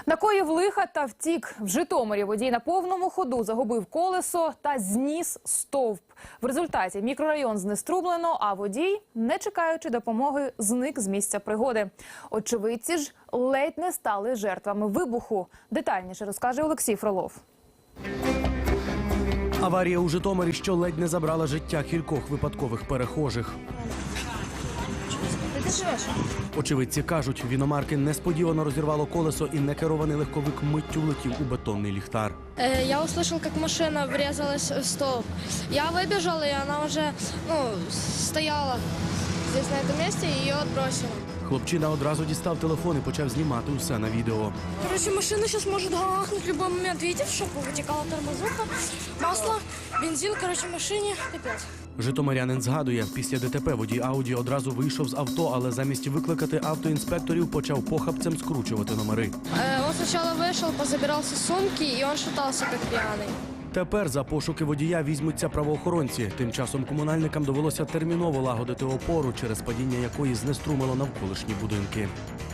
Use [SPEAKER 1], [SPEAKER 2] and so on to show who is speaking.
[SPEAKER 1] Накоїв лиха та втік. В Житомирі водій на повному ходу загубив колесо та зніс стовп. В результаті мікрорайон знеструмлено, а водій, не чекаючи допомоги, зник з місця пригоди. Очевидці ж ледь не стали жертвами вибуху. Детальніше розкаже Олексій Фролов.
[SPEAKER 2] Аварія у Житомирі, що ледь не забрала життя кількох випадкових перехожих. Очевидці кажуть, в іномарки несподівано розірвало колесо і некерований легковик миттю влетів у бетонний ліхтар.
[SPEAKER 3] Я услышал, как машина врезалась в столб. Я выбежал, и она уже стояла здесь, на этом месте, и ее отбросило.
[SPEAKER 2] Хлопчина одразу дістав телефон і почав знімати усе на відео.
[SPEAKER 3] Короче, машина сейчас может гахнуть в любой момент. Видите, в шоку вытекала тормозуха, масло, бензин, короче, машине капец.
[SPEAKER 2] Житомирянин згадує, після ДТП водій Ауді одразу вийшов з авто, але замість викликати автоінспекторів почав похапцем скручувати номери.
[SPEAKER 3] Он сначала вышел, позабирался сумки, и он шатался как пьяный.
[SPEAKER 2] Тепер за пошуки водія візьмуться правоохоронці. Тим часом комунальникам довелося терміново лагодити опору, через падіння якої знеструмило навколишні будинки.